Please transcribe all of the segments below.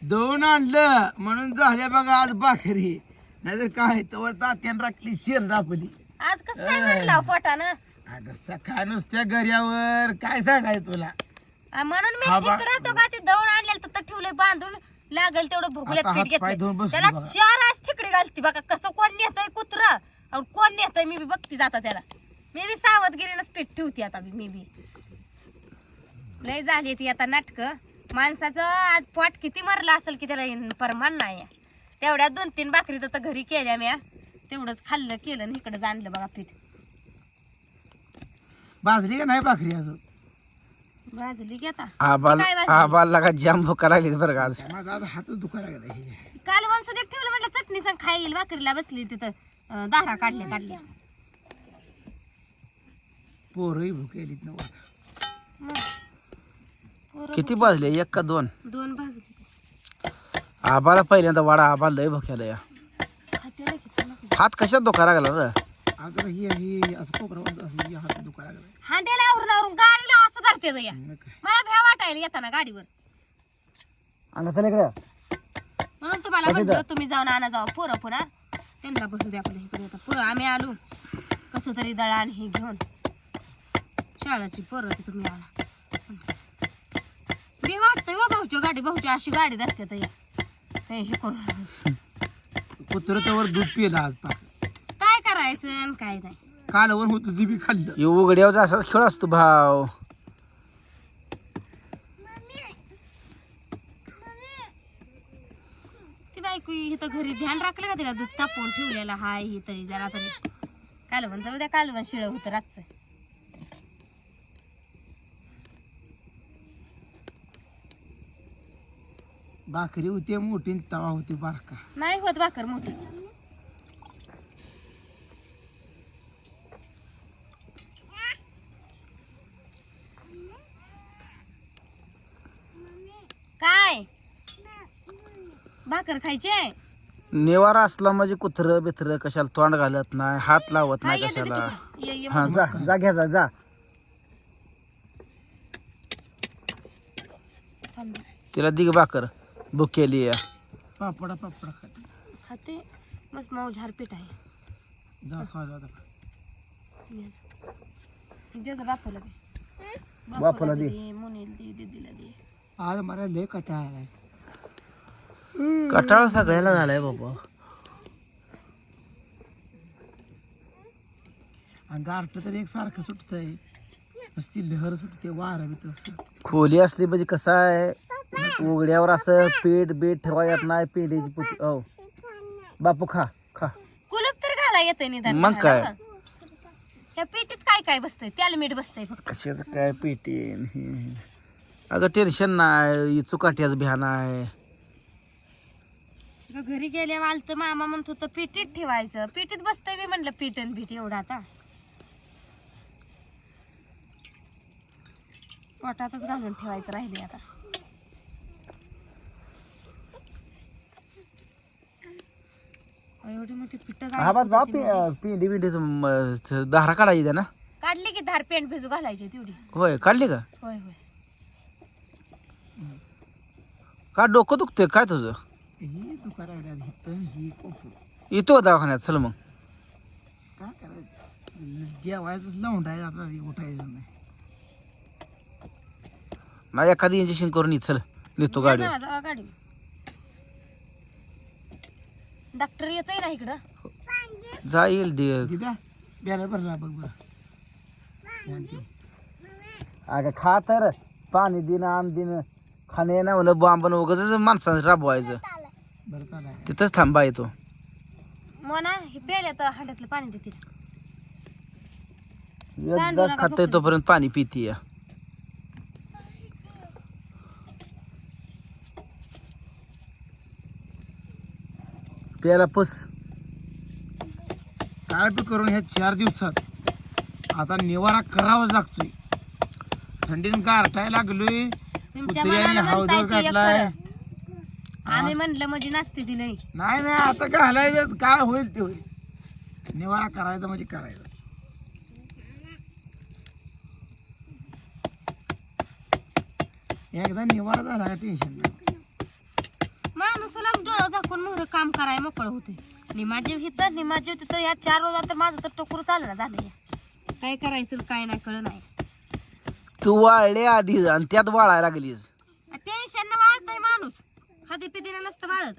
दळून आणलं म्हणून झाल्या बघा आज भाकरी, नाहीतर काय तवर तात्यान राखली शेण राखली. आज कसं काय म्हणला पोटानं? अगं सकाळ नुसत्या गर्यावर काय सांगायचं तुला. म्हणून मी हा बा- तिकडे तो का ते दळून आणलेलं तर ठेवलंय बांधून, लागेल तेवढं भोगल्यात आता पीठ हात-पाय धुवून घेतलं बसली त्याला बघा. 4 आज ठिकडी घालती बघा. कसं कोण नेतय कुत्र आणि कोण नेतय मी बी बघती जाता त्याला. मी बी सावधगिरीनंच पीठ ठेवते आता मी बी. लय झाली ती आता नाटक. माणसाचं आज पोट किती मरलं असेल की त्याला परमान नाही. तेवढ्या 2-3 भाकरी तर घरी केल्या म्या, तेवढंच खाल्लं केलं आणि इकडे जाणलं बघा पीठ. भाजली का नाही भाकरी अजून? भाजली की आता. आबाल काय भाजली? आबाला का जाम भुका लागली बरं का आज. माझा आज हातच दुखायला लागला. काल वंशू देख ठेवलं म्हटलं चटणी सांग खाईल. भाकरीला बसली तिथं दारा काढल्या. पोरही भुकेलीत नव्हतं. किती भाजले, 1 का 2? 2 भाजली. आबाला पहिल्यांदा वाडा, आबा लय भुक्याला या. खाते ना की तुला. हात कशात धोका लागला रे? अगं ही असं कोपरावर असं हात दुखायला लागला. हांड्याला आवरून गाडीला असं धरते या. मग काय. मला भ्या वाटायला येताना गाडीवर. आणा चल इकडे. म्हणून तुम्हाला म्हणलं तुम्ही जाऊन आणा जाऊ पोरं पुन्हा त्यांना बसू द्या आपल्या इकडे. आता पोरं आम्ही आलो कसं तरी दळण हे घेऊन. शाळेची पोरं तर तुम्ही आला. मी वाटतंय वा भाऊची गाडी, भाऊची अशी गाडी धरते तर हे करून. कुत्रं दूध पिलं आज पाक. काय करायचं आणि काय नाही. कालवर होतं ती बी खाल्लं. हे उघड्यावर असाच खेळ असतो भाव. ती बायको इथं घरी ध्यान राखलं का तिला दूध तापवून ठेवलेलं हाय हे तरी जरा तरी. कालवण जाऊ द्या, कालवण शिळ होतं रातचं. भाकरी होती मोठी आणि तवा होती बारका. नाही होत भाकर मोठी. काय भाकर खायचे? निवारा असला म्हणजे कुत्र बित्र कशाला तोंड घालत नाही, हात लावत हा, नाही ये दे कशाला. तिकडं. ये हा जा जा घ्या जा. थांब. तिला दिग भाकर भुकेली या. पापडा खाते. खाते मस्त मऊ झारपीठ आहे. जा खा जा. ज्याचं बापूला दे. बापूला दे. मुनीला दे, दीदीला दे. आज मला लय कटाळा आलाय. कटाळ सगळ्याला झालाय बाबा. आणि गारठ तर एक सारखं सुटतंय, नुसती लहर सुटते, वारा बी तसं. खोली असली म्हणजे कसं आहे, उघड्यावर असं पीठ बीठ ठेवा येत नाही. पेंडीची पुटी. हो बापू खा खा. कुलूप तर घाला येते निदान. मग काय? या पेटीत काय काय बसतंय? त्याला मीठ बसतंय फक्त. कशाचं काय पेटी. अगं टेन्शन नाही, चुकाट्याच भ्यान आहे. घरी गेल्या आलतं मामा म्हणत होतं पेटीत ठेवायचं. पेटीत बसतंय मी म्हणलं पीठ आणि पीठ एवढं आता पोटातच घालून ठेवायचं राहिले आता. एवढी मोठी पिठ हा बा जा पेंडी बिंडी धारा काढायची ना. काढली की धार पेंट भिजू घालायची तेवढी. होय काढली का? होय होय. का डोकं दुखते काय तुझं? ही दुकाना ही कोपरू येतो दवाखान्यात चल मग. काय करायचं, जेवायचं लावून राहायचं, आता उठायचं नाही. नाही एखादी इंजेक्शन करून ये चल, नेतो गाडी. जावा जावा गाडी. डॉक्टर येतोय ना इकडं. जा येईल दिदा बॅनर भरला बघ बरं. अगं खा तर पाणी दिन आण दिन खाणे ना म्हणलं बांबन वगैरे माणसानं राबवायचं. बरं का नाही तिथंच थांबा येतो. मोना हे प्यायला तर हांड्यातलं पाणी देतील. एकदाच खातोय तोपर्यंत पाणी पिती. प्याला पुस. काय बी करून ह्या 4 दिवसात आता निवारा करावाच लागतोय. थंडीनं गारठायला लागलोय. तुमच्या कुत्र्याने मनानं हावदळ म्हणताय की एक घातलाय. खरं. आम्ही म्हणलं म्हणजे नसते ती नाही. नाही आता घालायचं, काय होईल ते होईल. निवारा करायचा म्हणजे करायचं. एकदा निवारा झाला टेन्शन नाही. एकूण मोहर काम करायला मोकळं होते. निमाजीव हिथं निमाजीव तिथं. ह्या 4 रोजात तर माझं तर टोकरू चाललं झालं. काय करायचं काय नाही कळलं नाही. तू वाळले आधी आणि त्यात वाळायला लागलीस. टेन्शन वाळतय माणूस, खादी पिदीनं नसतं वाळत.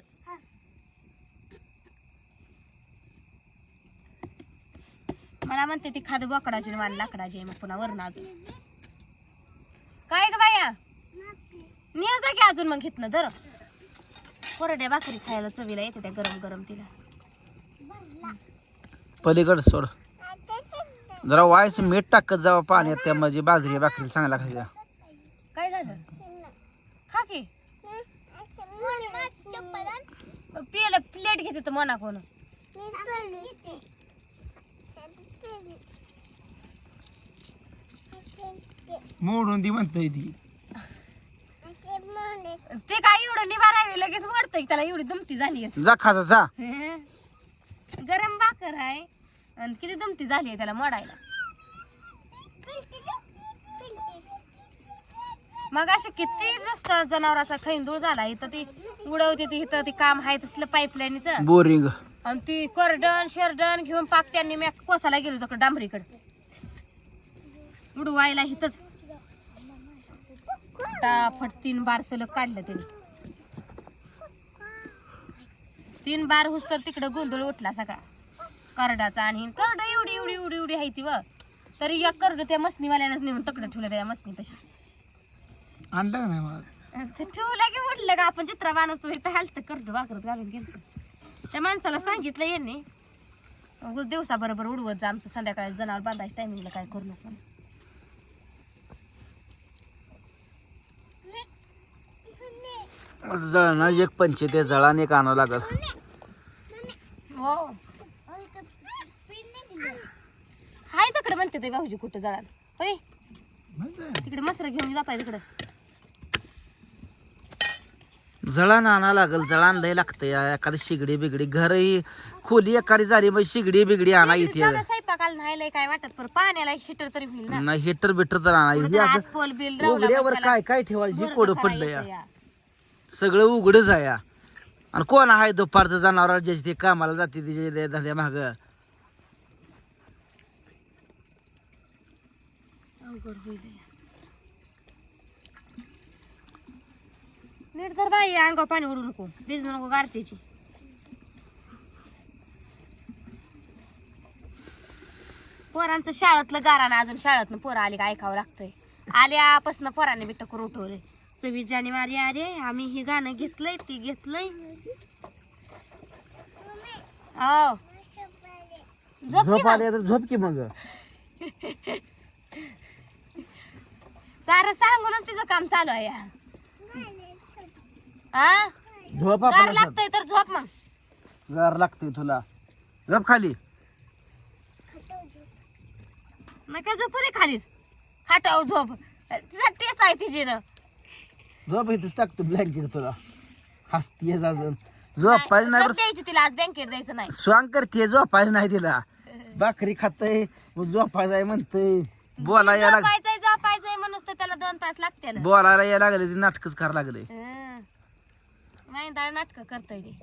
मला म्हणते ती खाद बोकडाची वाल लाकडाची मग पुन्हा वरण अजून काय ग बाया निया जा की अजून. मग घेतलं धर कोरड्या भाकरी खायला चवीला येते त्या गरम गरम. तिला पलीकड सोड जरा वायस मीठ टाकत जावं पाण्यात. त्या म्हणजे बाजरी भाकरी चांगला खायच्या. काय झालं खा की पियला प्लेट घेते तर मना कोण. मोडून ती म्हणतय ती. ते काय एवढं निवारावे लगेच वाढतंय त्याला. एवढी दुमती झाली जा खाजा जा. गरम भाकर आहे आणि किती दुमती झाली आहे त्याला मोडायला. मग असे किती रस्ता जनावराचा खैंदूळ झाला. इथं ती उडवते ती इथं ती काम आहे तसलं पाईपलाईनचं. बोरिंग आणि ती करडण शेरडण घेऊन पाक त्यांनी मी कोसाला गेलो तिकडे डांबरीकडे उडवायला. इथंच फटाफट 3 बार सलग काढलं त्याने. 3 बार हुस तर तिकडे गोंधळ उठला सगळा करडाचा. आणि करड एवढी एवढी एवढी एवढी आहे ती व तरी एक करड त्या मसनीवाल्यानंच नेऊन तकडे ठेवलं त्या मसनी तशी. आणलं का नाही मला ते ठेवलं की म्हटलं का आपण चित्रा बांधतो इथं हालत करड भाकरत घालून गेलं. त्या माणसाला सांगितलं यांनी दिवसा बरोबर उडवत जा आमचं संध्याकाळी जनावर बांधायच्या टायमिंगला काय करू नका. जळणं एक पंचे ते जळाने एक आणावं लागल. हो हाय तिकडे म्हणते ते भाऊजी कुठं जळाल होय तिकडे मसर घेऊन जाताय तिकडे. जळण आणा लागल. जळण लय लागतं. एखादी शिगडी बिगडी घरही खोली एखादी झाली मग शिगडी बिगडी आणा इथे. स्वयंपाकाला नाही लय काय वाटत पण पाण्याला हिटर तरी होईल ना. नाही हिटर बिटर तर आणा. हे असं पोल बिल रावला उघड्यावर काय काय ठेवायची कोड पडलं या. सगळं उघडच आहे या. आणि कोण आहे दुपारचं जनावर ज्याची ते कामाला जाते तिच्या धंद्या माग. अवघड होईल नीट तर बाई अंगावर पाणी उडू नको भिजू नको गारत्याची. पोरांचं शाळेतलं गारानं अजून शाळेतनं पोरं आली का ऐकावं लागतंय. आल्यापासून पोरांनी बिट्ट करून उठवलंय. 26 जानेवारी अरे आम्ही हे गाणं घेतलंय ती घेतलंय. हो झोप आली तर झोप की मग. सारं सांगूनच तिचं काम चालू आहे. हा झोप गार आपल्याला लागतंय तर झोप मग. गार लागतोय तुला. झोप खाली. नका झोपू दे खालीच खाटाव झोप. तिचा टेच आहे तिची ना. झोप इथेच टाकतो ब्लँकेट तुला. हसतीये अजून. झोपायचं नाही बरं. द्यायची तिला आज बँकेत द्यायचं नाही. स्वांग करते झोपायचं नाही तिला. भाकरी खातय झोपायचं आहे म्हणतय. बोलायला झोपायचंय म्हणून तर त्याला 2 तास लागते ना. बोलायला यायला लागले ती नाटकच करायला लागले. माहिती नाटक करतोय ते.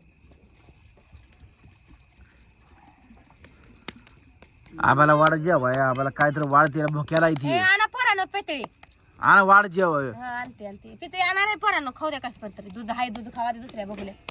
आम्हाला वाढ जेवाय. आम्हाला काय तर वाढ तिला भोक्याला इथे. आणा पोरानं पेतळी. आणि वाढ जेवाय. आणते आणते पितळी आणणार आहे पोरानं खाऊ द्या कसं पण तरी. दूध हाय दूध खावा दे दुसऱ्या बघले.